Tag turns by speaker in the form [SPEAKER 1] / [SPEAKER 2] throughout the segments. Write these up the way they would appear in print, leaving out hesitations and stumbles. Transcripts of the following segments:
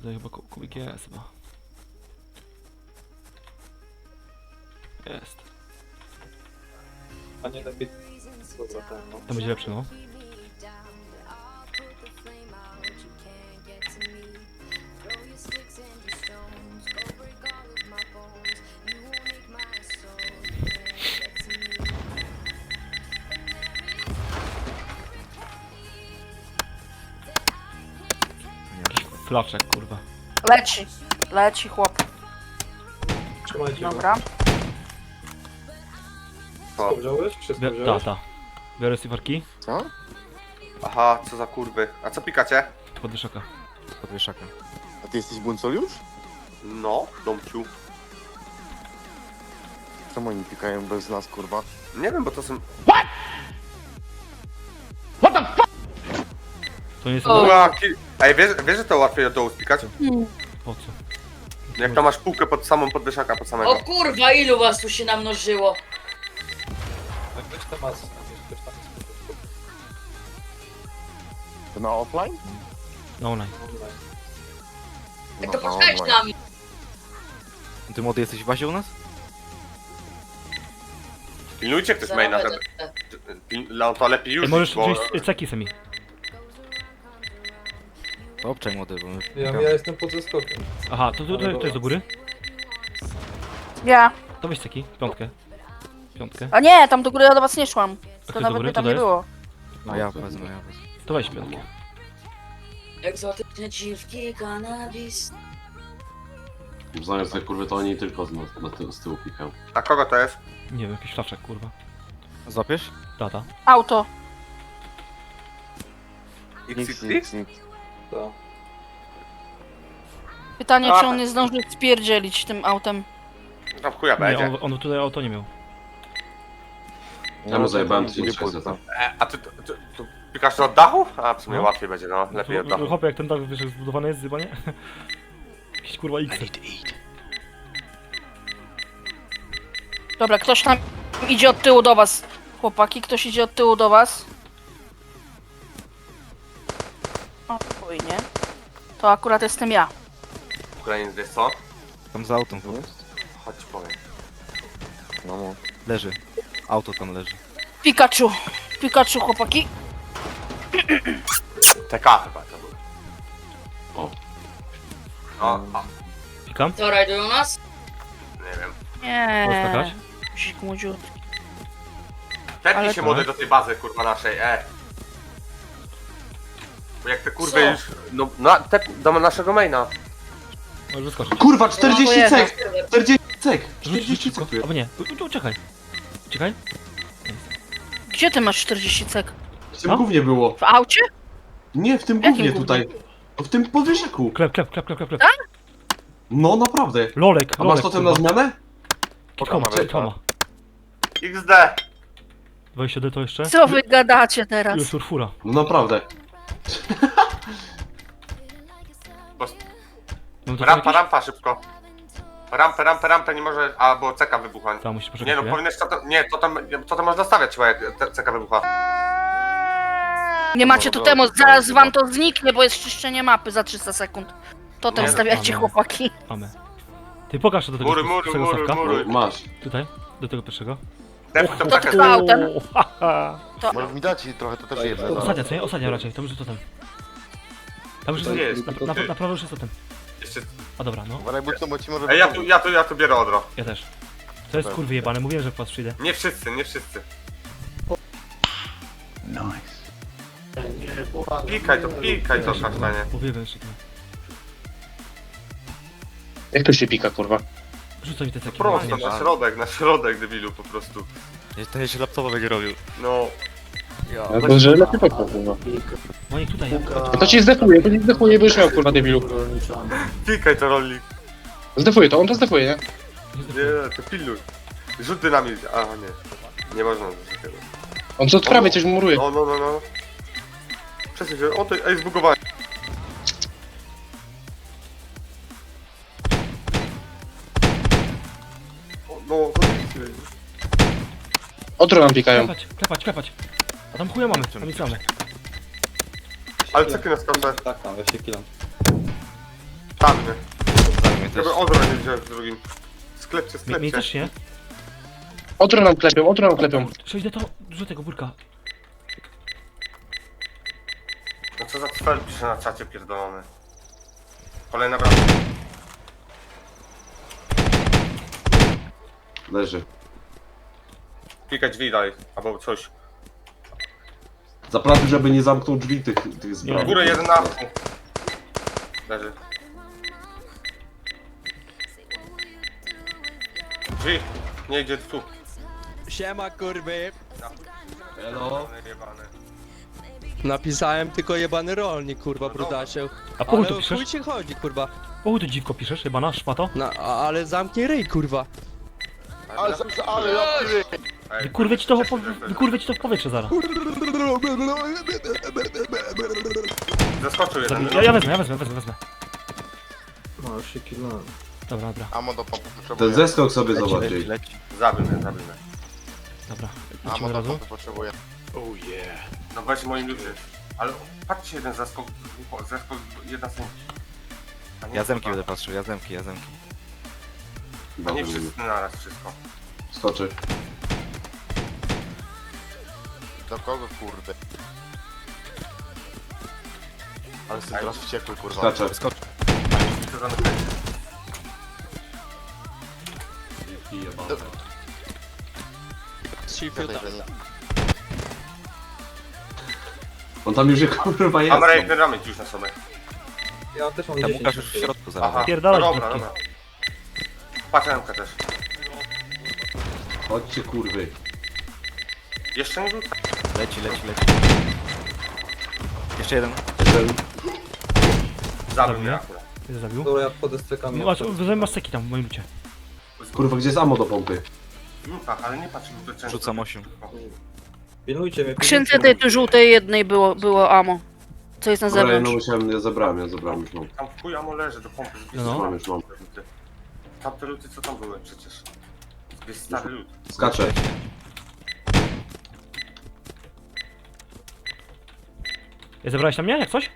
[SPEAKER 1] tutaj chyba kubik jest chyba. Jest.
[SPEAKER 2] A nie lepiej... Dobra, tak, no.
[SPEAKER 1] To będzie lepsze, no. Jakiś flaczek, kurwa.
[SPEAKER 3] Leci chłop.
[SPEAKER 2] Trzymajcie go.
[SPEAKER 3] Dobra.
[SPEAKER 2] Wszystko wziąłeś? Wszystko
[SPEAKER 1] Ta,
[SPEAKER 2] wziąłeś?
[SPEAKER 1] ta. Biorę cyfarki.
[SPEAKER 4] Co?
[SPEAKER 5] Aha, co za kurwy. A co pikacie?
[SPEAKER 1] Pod wyszaka.
[SPEAKER 4] Podwieszaka. A ty jesteś buncol już?
[SPEAKER 5] No, domciu.
[SPEAKER 4] Czemu oni pikają bez nas, kurwa?
[SPEAKER 5] Nie wiem, bo to są...
[SPEAKER 1] To nie jest...
[SPEAKER 3] O.
[SPEAKER 5] Ej, wiesz, że to łatwiej od dołu spikać?
[SPEAKER 1] Po co?
[SPEAKER 5] Jak tam masz półkę pod samą podwyżaka, pod samego.
[SPEAKER 6] O kurwa, ilu was tu się namnożyło?
[SPEAKER 2] Tak, weź te masy, weź tam jest
[SPEAKER 4] To na offline?
[SPEAKER 1] No online.
[SPEAKER 2] online.
[SPEAKER 6] Jak to
[SPEAKER 4] No,
[SPEAKER 6] poczekaj z
[SPEAKER 4] online.
[SPEAKER 6] nami.
[SPEAKER 7] Ty młody jesteś w bazie u nas?
[SPEAKER 5] Pilnujcie ktoś maina, żeby... No to lepiej już,
[SPEAKER 1] Ej, możesz
[SPEAKER 5] bo...
[SPEAKER 1] wziąć ceki sami.
[SPEAKER 7] To obczaj młody, bo my...
[SPEAKER 2] Ja jestem pod zeskokiem.
[SPEAKER 1] Aha, to jest do góry?
[SPEAKER 3] Ja.
[SPEAKER 1] To weź ceki, piątkę. Piątkę.
[SPEAKER 3] A nie, tam do góry ja do was nie szłam.
[SPEAKER 1] A
[SPEAKER 3] To
[SPEAKER 1] do
[SPEAKER 3] nawet
[SPEAKER 1] góry?
[SPEAKER 3] by tam
[SPEAKER 1] To
[SPEAKER 3] nie
[SPEAKER 1] jest?
[SPEAKER 3] było.
[SPEAKER 7] No ja wezmę, ja wezmę.
[SPEAKER 1] To weź piątkę.
[SPEAKER 6] Egzotyczne dziwki, kanabis.
[SPEAKER 8] Zamiast tej kurwy to oni tylko z tyłu pikają.
[SPEAKER 5] A kogo to jest?
[SPEAKER 1] Nie wiem, jakiś flaczek, kurwa.
[SPEAKER 7] Złapiesz?
[SPEAKER 1] Tata.
[SPEAKER 3] Auto.
[SPEAKER 5] XXX?
[SPEAKER 2] To.
[SPEAKER 3] Pytanie,
[SPEAKER 5] A,
[SPEAKER 3] czy on nie zdąży spierdzielić tym autem.
[SPEAKER 5] Tam chuja
[SPEAKER 1] Nie,
[SPEAKER 5] będzie.
[SPEAKER 1] on tutaj auto nie miał.
[SPEAKER 8] Ja mu zajebałem
[SPEAKER 4] to
[SPEAKER 8] 1600.
[SPEAKER 5] A ty pikasz to od dachu? A w sumie
[SPEAKER 1] No.
[SPEAKER 5] łatwiej będzie, no. Lepiej od dachu.
[SPEAKER 1] Chłopie, jak ten dach, wiesz, jak zbudowany jest, chyba nie? Jakiś kurwa X.
[SPEAKER 3] Dobra, ktoś tam idzie od tyłu do was. Chłopaki, ktoś idzie od tyłu do was. O, spokojnie. To akurat jestem ja.
[SPEAKER 5] Ukraińcy, wiesz co?
[SPEAKER 7] Tam za autem chyba.
[SPEAKER 5] Chodź ci powiem.
[SPEAKER 4] No,
[SPEAKER 7] Leży. Auto tam leży.
[SPEAKER 3] Pikachu. Pikachu, chłopaki.
[SPEAKER 5] TK chyba to był.
[SPEAKER 8] O.
[SPEAKER 5] O,
[SPEAKER 1] Pikam?
[SPEAKER 6] Co, rajdują nas?
[SPEAKER 5] nie wiem.
[SPEAKER 3] Nie.
[SPEAKER 1] skakać?
[SPEAKER 3] Sik młodziutki.
[SPEAKER 5] Tepnij
[SPEAKER 3] Ale
[SPEAKER 5] się
[SPEAKER 3] to-
[SPEAKER 5] młody do tej bazy, kurwa, naszej, Bo jak te kurwy
[SPEAKER 6] Co?
[SPEAKER 5] już... No, do naszego maina.
[SPEAKER 1] Możesz wyskoczyć.
[SPEAKER 8] Kurwa,
[SPEAKER 3] No,
[SPEAKER 8] 40
[SPEAKER 3] to
[SPEAKER 8] cek! 40 cek!
[SPEAKER 1] Rzuć
[SPEAKER 8] 40
[SPEAKER 1] szybko.
[SPEAKER 8] cek tu jest.
[SPEAKER 1] Albo nie, uciekaj. Uciekaj.
[SPEAKER 3] Gdzie ty masz 40 cek?
[SPEAKER 8] W tym gównie było.
[SPEAKER 3] W aucie?
[SPEAKER 8] Nie, w tym
[SPEAKER 3] Jakim
[SPEAKER 8] gównie
[SPEAKER 3] gównie?
[SPEAKER 8] tutaj. W tym podwyższaku.
[SPEAKER 1] Klep.
[SPEAKER 8] No naprawdę.
[SPEAKER 1] Lolek,
[SPEAKER 8] A masz totem na zmianę?
[SPEAKER 1] Koma,
[SPEAKER 4] Pokażę,
[SPEAKER 1] koma.
[SPEAKER 5] XD!
[SPEAKER 1] 20D to jeszcze?
[SPEAKER 3] Co wy gadacie teraz?
[SPEAKER 1] Już urfura.
[SPEAKER 8] No naprawdę.
[SPEAKER 1] Mam to
[SPEAKER 5] Rampa,
[SPEAKER 1] jakieś?
[SPEAKER 5] rampa, szybko. Rampę, nie może... Albo ceka wybucha.
[SPEAKER 1] Tam musisz poczekać
[SPEAKER 5] Nie no,
[SPEAKER 1] chwilę.
[SPEAKER 5] powinieneś to tam można stawiać chyba, jak ceka wybucha.
[SPEAKER 3] Nie macie
[SPEAKER 4] No,
[SPEAKER 3] totemu,
[SPEAKER 4] dobra,
[SPEAKER 3] zaraz
[SPEAKER 4] dobra.
[SPEAKER 3] wam to zniknie, bo jest czyszczenie mapy za 300 sekund. Totem
[SPEAKER 5] Nie,
[SPEAKER 3] stawiacie,
[SPEAKER 1] mamy.
[SPEAKER 3] chłopaki.
[SPEAKER 1] Mamy. Ty pokaż to do tego
[SPEAKER 5] Mury,
[SPEAKER 1] pierwszego
[SPEAKER 5] mury,
[SPEAKER 1] stawka.
[SPEAKER 5] mury.
[SPEAKER 8] Masz.
[SPEAKER 1] Tutaj, do tego pierwszego.
[SPEAKER 5] Defuj tą
[SPEAKER 3] To
[SPEAKER 5] cekę.
[SPEAKER 3] trwa autem.
[SPEAKER 1] haha.
[SPEAKER 4] Może mi dać trochę, to też jedno.
[SPEAKER 1] Ostatnia, co nie? Ostatnia raczej, tam już jest totem. Tam już
[SPEAKER 5] To nie
[SPEAKER 1] jest,
[SPEAKER 5] jest, to ty.
[SPEAKER 1] na prawo już jest totem.
[SPEAKER 5] Jeszcze...
[SPEAKER 1] A dobra, no.
[SPEAKER 4] Uważaj, bo ci może...
[SPEAKER 5] Ej, ja tu biorę odro.
[SPEAKER 1] Ja też. To jest kurwy jebane, mówiłem, że po was przyjdę.
[SPEAKER 5] Nie wszyscy. Pikaj to kasztanie.
[SPEAKER 1] Mówiłem jeszcze to.
[SPEAKER 9] Jak to się pika, kurwa?
[SPEAKER 1] Rzucaj mi te ceki.
[SPEAKER 5] Prosto, na środek, debilu, po prostu.
[SPEAKER 7] Ten się laptopa będzie robił.
[SPEAKER 5] No,
[SPEAKER 9] No to, że lepiej poko, kurwa.
[SPEAKER 1] Monik tutaj.
[SPEAKER 9] No to ci zdefuje, bo już miał, kurwa, debilu.
[SPEAKER 5] pikaj to rolnik.
[SPEAKER 9] Zdefuje to, on to zdefuje, nie?
[SPEAKER 5] Nie, to pilnuj. Rzut dynamit, a nie. Nie można coś takiego.
[SPEAKER 9] On co od prawej coś muruje.
[SPEAKER 5] No. Przesuń się, o to, ej, zbugowałem. No, to nic.
[SPEAKER 9] Otro nam pikają.
[SPEAKER 1] Klepać. A tam chuja mamy, tam nic mamy.
[SPEAKER 5] Ale ceky na skałce.
[SPEAKER 2] Tak, tam, weź się killam.
[SPEAKER 7] też.
[SPEAKER 5] Żeby odro nie wziąłem w drugim. Sklepcie,
[SPEAKER 1] Mnie
[SPEAKER 5] sklepcie.
[SPEAKER 1] też nie.
[SPEAKER 9] Otro nam klepią, otro nam klepią.
[SPEAKER 1] Przejdę to, dużo tego burka.
[SPEAKER 5] No co za cfel pisze na czacie pierdolony. Kolejna brama.
[SPEAKER 8] Leży.
[SPEAKER 5] Klikać drzwi dalej, albo coś.
[SPEAKER 8] Zaprawił, żeby nie zamknął drzwi tych
[SPEAKER 5] W
[SPEAKER 8] zbroi.
[SPEAKER 5] górę jeden na dół. Leży. Drzwi. Nie idzie tu.
[SPEAKER 10] Siema kurwy.
[SPEAKER 8] Hello.
[SPEAKER 5] Jebane.
[SPEAKER 10] Napisałem tylko jebany rolnik, kurwa, brudasie.
[SPEAKER 1] A po chuj
[SPEAKER 10] Ale
[SPEAKER 1] to
[SPEAKER 10] o chuj
[SPEAKER 1] piszesz?
[SPEAKER 10] ci chodzi, kurwa.
[SPEAKER 1] Po chuj to dziwko piszesz, chyba na szmato?
[SPEAKER 10] Ale zamknij ryj, kurwa.
[SPEAKER 4] Ale ja ty...
[SPEAKER 5] Ej,
[SPEAKER 1] Wykurwię ci to w powietrze zaraz.
[SPEAKER 5] Zaskoczył jeden.
[SPEAKER 1] Ja wezmę.
[SPEAKER 2] No, już się killnąłem.
[SPEAKER 1] Dobra.
[SPEAKER 4] Amo do pompy
[SPEAKER 8] Ten
[SPEAKER 4] potrzebuję.
[SPEAKER 8] zeskok sobie
[SPEAKER 7] Leci,
[SPEAKER 8] zobaczy.
[SPEAKER 7] leci, leci.
[SPEAKER 5] Zabił mnie, zabił mnie.
[SPEAKER 1] Dobra.
[SPEAKER 4] Amo
[SPEAKER 1] Lecimy od
[SPEAKER 4] do
[SPEAKER 1] razu.
[SPEAKER 4] pompy potrzebuję.
[SPEAKER 5] No weź moim ludzie. Ale patrzcie jeden zeskok, jedna sędzia. A nie
[SPEAKER 7] Ja zemki
[SPEAKER 5] chyba.
[SPEAKER 7] będę patrzył, ja zemki.
[SPEAKER 5] A nie wszyscy naraz wszystko.
[SPEAKER 8] Skoczy.
[SPEAKER 4] Do kogo kurde? Ale jestem teraz wściekły kurwa.
[SPEAKER 8] Skacze.
[SPEAKER 7] Skocz.
[SPEAKER 5] To zamykaj.
[SPEAKER 4] Gadaj, że nie.
[SPEAKER 8] On tam już je kurwa jest.
[SPEAKER 5] Kamera jak ramy już na sobie.
[SPEAKER 2] Ja też mam
[SPEAKER 7] Tam
[SPEAKER 2] 10.
[SPEAKER 7] Łukasz już w środku
[SPEAKER 5] Aha,
[SPEAKER 7] zaraz.
[SPEAKER 1] Pierdalaj,
[SPEAKER 5] dobra,
[SPEAKER 1] krótki.
[SPEAKER 5] dobra. Patrz rękę też.
[SPEAKER 8] Chodźcie kurwy.
[SPEAKER 5] Jeszcze nie rzuca.
[SPEAKER 7] Leci. Jeszcze jeden.
[SPEAKER 8] Jeden.
[SPEAKER 5] Zabił
[SPEAKER 1] Zabił.
[SPEAKER 5] mnie akurat.
[SPEAKER 1] Ty zabił.
[SPEAKER 2] Dobra, ja wchodzę z cekami.
[SPEAKER 1] Masz seki tam w moim lucie.
[SPEAKER 8] Kurwa, gdzie jest ammo do pompy?
[SPEAKER 5] W lutach, ale nie patrz mi to często.
[SPEAKER 7] Rzucam 8.
[SPEAKER 2] Pilnujcie mnie.
[SPEAKER 3] W skrzynce tej tu żółtej jednej było ammo. Co jest na
[SPEAKER 8] Dobra,
[SPEAKER 3] zewnątrz.
[SPEAKER 8] ja zabrałem już mam.
[SPEAKER 5] Tam w chuj amo leży do pompy.
[SPEAKER 1] No.
[SPEAKER 8] Już mam.
[SPEAKER 5] Tamte luty co tam były przecież. Jest stary lód.
[SPEAKER 8] Skacze.
[SPEAKER 1] Zebrałeś tam mnie, jak coś?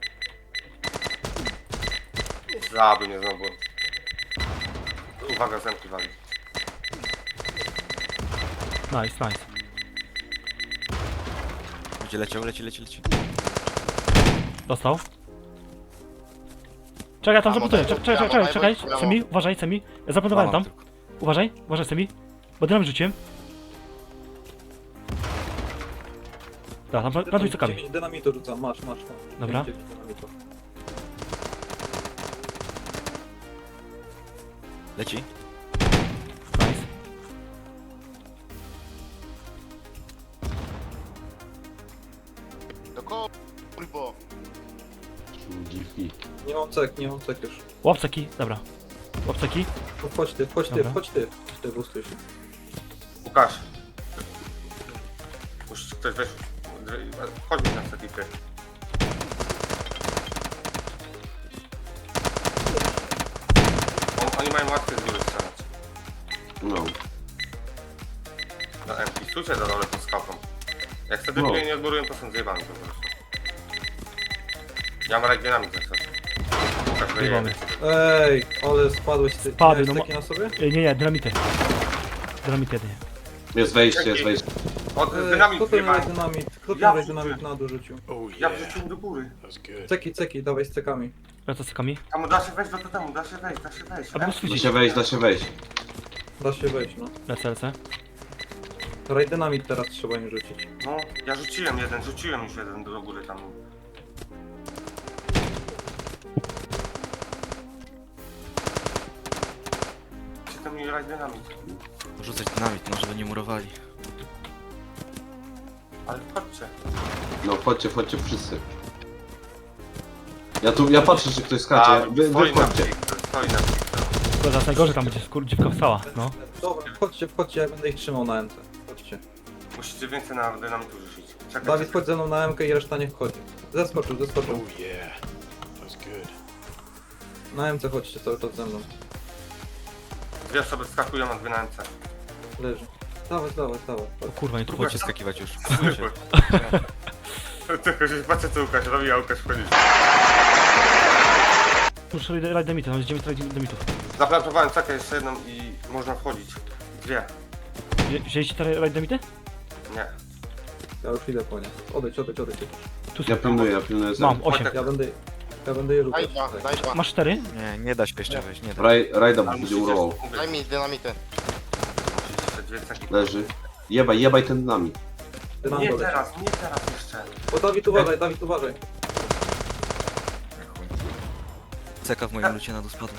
[SPEAKER 5] Zabił mnie znowu. Uwaga, zemki wali.
[SPEAKER 1] Nice.
[SPEAKER 7] Będzie leciał, leci.
[SPEAKER 1] Dostał. Czekaj, tam
[SPEAKER 4] Amo,
[SPEAKER 1] zabuduję.
[SPEAKER 4] daj,
[SPEAKER 1] Czekaj.
[SPEAKER 4] amo.
[SPEAKER 1] Semi, uważaj, Semi. Ja zaplantowałem tam. Uważaj, Semi. Bo dynamit rzuciłem. Dobra, tam plantuj cekami.
[SPEAKER 2] 9 dynamitu rzucam, masz.
[SPEAKER 1] Dobra.
[SPEAKER 2] 9 dynamitu.
[SPEAKER 7] Leci.
[SPEAKER 1] Nice.
[SPEAKER 4] Do kogo kurwa?
[SPEAKER 8] Dziwki.
[SPEAKER 2] Nie mam cek już.
[SPEAKER 1] Łap ceki, dobra. Łap ceki.
[SPEAKER 2] No, Wchodź ty.
[SPEAKER 1] Dobra.
[SPEAKER 2] Chodź ty, bustuj się.
[SPEAKER 5] Łukasz. Musi ktoś weź. Chodź mi na setipy. Oni mają łatwiej z góry strzelać.
[SPEAKER 8] No.
[SPEAKER 5] Na MP. Stójcie za dole pod skałką. Jak wtedy
[SPEAKER 8] No.
[SPEAKER 5] nie odborują, to są zjebani po prostu. Ja mam regionami za coś. Łukasz
[SPEAKER 1] Zjebany.
[SPEAKER 5] wyjedzie.
[SPEAKER 2] Ej, ale spadłeś ty.
[SPEAKER 1] Spadły,
[SPEAKER 2] Miałeś
[SPEAKER 1] no
[SPEAKER 2] ceki na sobie?
[SPEAKER 1] Nie, dynamity. Dynamit jedynie.
[SPEAKER 8] Jest wejście.
[SPEAKER 5] Od
[SPEAKER 2] Kto
[SPEAKER 5] dynamit
[SPEAKER 2] ten
[SPEAKER 5] zjebani.
[SPEAKER 2] dynamit? Kto
[SPEAKER 5] Ja
[SPEAKER 2] ten
[SPEAKER 5] wrzuciłem.
[SPEAKER 2] dynamit na dół rzucił?
[SPEAKER 5] Ja wrzuciłem do góry.
[SPEAKER 2] Ceki, dawaj z cekami.
[SPEAKER 1] Lecę z cekami.
[SPEAKER 5] Tam da się wejść do totemu, da się wejść.
[SPEAKER 1] A go
[SPEAKER 8] Da
[SPEAKER 1] świecić.
[SPEAKER 8] się wejść.
[SPEAKER 2] Da się wejść, no.
[SPEAKER 1] Lecę.
[SPEAKER 2] Raj dynamit teraz trzeba im rzucić.
[SPEAKER 5] No, ja rzuciłem już jeden do góry tam. Gdzie tam mi raj dynamit?
[SPEAKER 7] Rzucać dynamit, no żeby nie murowali.
[SPEAKER 5] Ale chodźcie.
[SPEAKER 8] No chodźcie wszyscy. Ja patrzę, czy ktoś skacze. Wy wchodźcie.
[SPEAKER 5] Stoi na
[SPEAKER 1] To zaraz najgorzej tam będzie, dziewka wstała, no.
[SPEAKER 2] Dobra, wchodźcie, ja będę ich trzymał na MT. Chodźcie.
[SPEAKER 5] Musicie więcej na dynamitu rzucić. Czekaj,
[SPEAKER 2] Dawid, chodź ze mną na MK i reszta nie wchodzi. Zeskoczył. Na MC chodźcie cały czas ze mną.
[SPEAKER 5] Dwie osoby wskakują, a dwie na MC.
[SPEAKER 2] Leży. Dawaj.
[SPEAKER 1] O kurwa, nie tu
[SPEAKER 7] Chodźcie skakiwać już.
[SPEAKER 5] Tylko się patrzę co Łukasz robi, a Łukasz wchodzi.
[SPEAKER 1] Muszę rajd demity, mam 9 rajd demitów.
[SPEAKER 5] Zaplantowałem cekę jeszcze jedną i można wchodzić. Dwie.
[SPEAKER 1] Wzięliście te rajd demity?
[SPEAKER 5] Nie.
[SPEAKER 2] Ja już idę po nie. Odejdź.
[SPEAKER 1] Tu
[SPEAKER 8] Ja pilnuję
[SPEAKER 1] mam 8.
[SPEAKER 2] Ja będę je
[SPEAKER 4] Daj dwa, daj dwa.
[SPEAKER 1] Masz 4?
[SPEAKER 7] Nie da się jeszcze wejść, nie da.
[SPEAKER 8] Rajda
[SPEAKER 5] Ale
[SPEAKER 8] będzie
[SPEAKER 5] musicie
[SPEAKER 8] urował.
[SPEAKER 4] Daj mi dynamity.
[SPEAKER 5] jeszcze dwie ceki.
[SPEAKER 8] Leży. Jebaj ten dynamit.
[SPEAKER 5] Nie teraz jeszcze.
[SPEAKER 2] O, Dawid uważaj.
[SPEAKER 7] Ceka w moim lucie na dół spadła.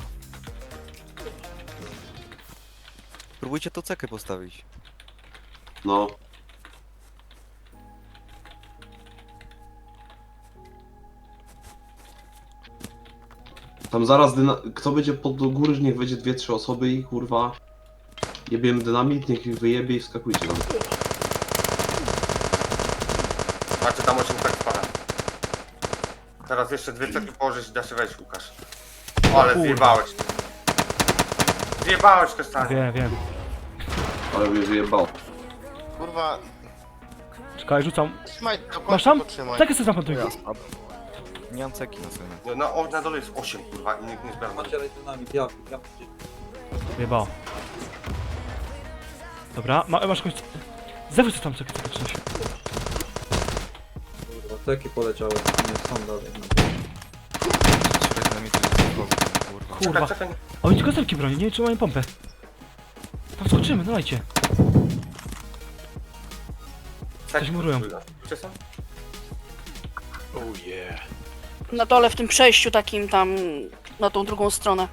[SPEAKER 7] Próbujcie tą cekę postawić.
[SPEAKER 8] No. Tam zaraz kto będzie pod do góry, niech wejdzie 2-3 osoby i kurwa jebiemy dynamit, niech ich wyjebie i wskakujcie tam.
[SPEAKER 5] Macie tam 8 cek spada. Teraz jeszcze dwie ceki położyć i da się wejść, Łukasz. O, ale zjebałeś. Zjebałeś kasztanie.
[SPEAKER 1] Wiem.
[SPEAKER 8] Ale mnie wyjebało.
[SPEAKER 4] Kurwa,
[SPEAKER 1] Czekaj, rzucam.
[SPEAKER 4] trzymaj, do końca
[SPEAKER 1] Masz tam?
[SPEAKER 4] potrzymaj.
[SPEAKER 1] Tak jest zaplantuj.
[SPEAKER 7] Nie mam ceki na sobie.
[SPEAKER 5] Na dole jest 8, kurwa, i nikt nie zbiera.
[SPEAKER 2] Macie dynamit, ja.
[SPEAKER 1] Wyjebało. Dobra, masz jakąś... Zawróć tam coś.
[SPEAKER 2] Kurwa, teki poleciały. Nie, są dalej.
[SPEAKER 7] Kurwa.
[SPEAKER 1] Kurwa.
[SPEAKER 5] Czekaj.
[SPEAKER 1] A oni tylko zelki broni, nie wiem czy mają pompę. Tam skoczymy, dawajcie. Coś murują.
[SPEAKER 5] Gdzie są?
[SPEAKER 3] Na dole w tym przejściu takim tam, na tą drugą stronę.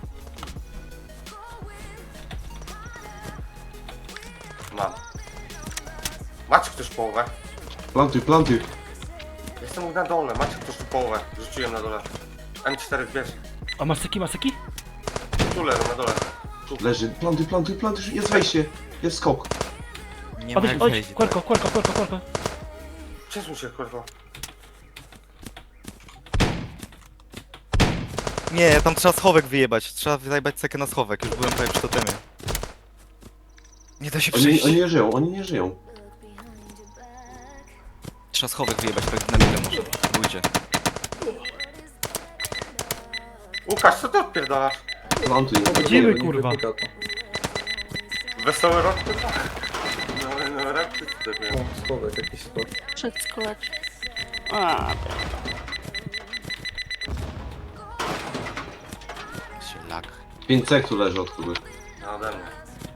[SPEAKER 5] Mam. Macie ktoś połowę?
[SPEAKER 8] Plantuj.
[SPEAKER 5] Jestem na dole, macie ktoś tu połowę. Rzuciłem na dole. M4 bierz.
[SPEAKER 1] A maseki?
[SPEAKER 5] Tu leżą na dole.
[SPEAKER 8] Leży. Plantuj. Jest wejście. Jest skok.
[SPEAKER 7] Nie ma jak
[SPEAKER 1] Odejdź,
[SPEAKER 7] wejść.
[SPEAKER 1] kłelko.
[SPEAKER 5] Przesuń się, kurwa.
[SPEAKER 7] Nie, tam trzeba schowek wyjebać. Trzeba zajebać cekę na schowek. Już byłem prawie przy totemie. Nie da się przejść.
[SPEAKER 8] Oni nie żyją.
[SPEAKER 7] Trzeba schowek wyjebać, tak na chwilę może. Spróbujcie.
[SPEAKER 5] Łukasz, co ty odpierdalasz?
[SPEAKER 8] Plantuj.
[SPEAKER 1] Chodzimy, kurwa.
[SPEAKER 5] Wesoły rok? No, rok ty
[SPEAKER 2] O, schowek, jakiś skok.
[SPEAKER 3] Wszystko leci. A,
[SPEAKER 7] Się lag.
[SPEAKER 8] 5 cek tu leży od kogoś.
[SPEAKER 5] No ode mnie.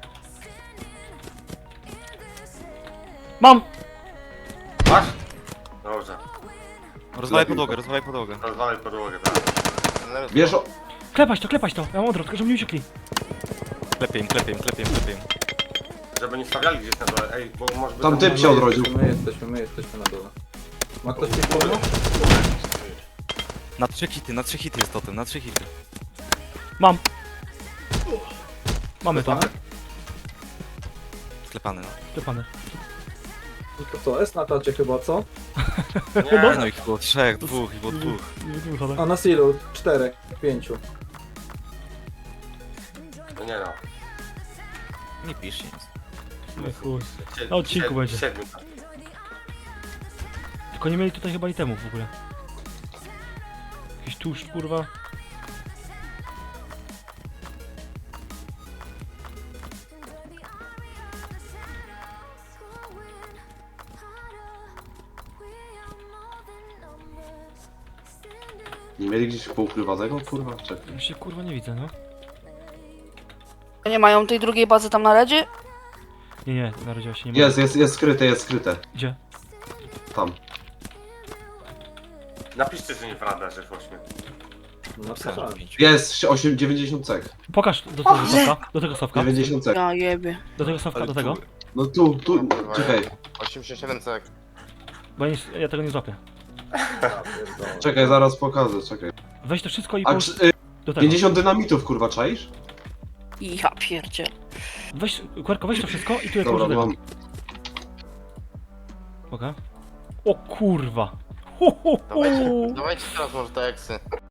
[SPEAKER 1] Mam!
[SPEAKER 5] Masz? Dobrze.
[SPEAKER 7] Rozwalaj podłogę.
[SPEAKER 5] Rozwalaj podłogę, tak.
[SPEAKER 8] Bierz o...
[SPEAKER 1] Klepać to. Ja mam odwrót, tylko żeby nie uciekli.
[SPEAKER 7] Klepię im.
[SPEAKER 5] Żeby nie stawiali gdzieś na dole. Ej, bo może by
[SPEAKER 8] Tam typ się odrodził.
[SPEAKER 2] My jesteśmy na dole. Ma ktoś coś pomóc?
[SPEAKER 7] Na 3 hity jest totem, na 3 hity.
[SPEAKER 1] Mam. Mamy to.
[SPEAKER 7] Sklepany, no.
[SPEAKER 1] Klepane.
[SPEAKER 2] No to co, S na tacie chyba, co?
[SPEAKER 5] Nie,
[SPEAKER 7] No ich było 3, 2, ich było 2.
[SPEAKER 1] Nie wychodzę.
[SPEAKER 2] A na silu 4, 5.
[SPEAKER 5] no nie no.
[SPEAKER 7] Nie pisz nic.
[SPEAKER 1] Nie, chuj.
[SPEAKER 5] Sie-
[SPEAKER 1] Na odcinku
[SPEAKER 5] siedmiu-
[SPEAKER 1] będzie.
[SPEAKER 5] siedmiu.
[SPEAKER 1] Tylko nie mieli tutaj chyba itemów w ogóle. Jakiś tłuszcz, kurwa.
[SPEAKER 8] Nie mieli gdzieś poukrywanego? Kurwa, czekaj.
[SPEAKER 1] Ja się kurwa nie widzę, no.
[SPEAKER 3] nie mają tej drugiej bazy tam na redzie?
[SPEAKER 1] Nie, narodziła się nie ma.
[SPEAKER 8] Jest skryte.
[SPEAKER 1] Gdzie?
[SPEAKER 8] Tam.
[SPEAKER 5] Napiszcie, że nie prawda, że w 8.
[SPEAKER 2] Napisałem.
[SPEAKER 8] Jest 90 cek.
[SPEAKER 1] Pokaż do tego sławka. Do tego sławka.
[SPEAKER 8] 90 cek.
[SPEAKER 3] Ja jebie.
[SPEAKER 1] Do tego sławka, do tego.
[SPEAKER 8] No tu, czekaj.
[SPEAKER 4] 87 cek.
[SPEAKER 1] Bo ja tego nie złapię.
[SPEAKER 8] Czekaj, zaraz pokażę, czekaj.
[SPEAKER 1] Weź to wszystko i
[SPEAKER 8] A
[SPEAKER 1] połóż do tego.
[SPEAKER 8] 50 dynamitów, kurwa, czaisz?
[SPEAKER 3] Ja pierdziel.
[SPEAKER 1] Weź, Kłerko, weź to wszystko i tu jak
[SPEAKER 8] Dobra,
[SPEAKER 1] połóż do tego.
[SPEAKER 8] mam.
[SPEAKER 1] Okej. O kurwa.
[SPEAKER 4] Dawajcie teraz może te eksy.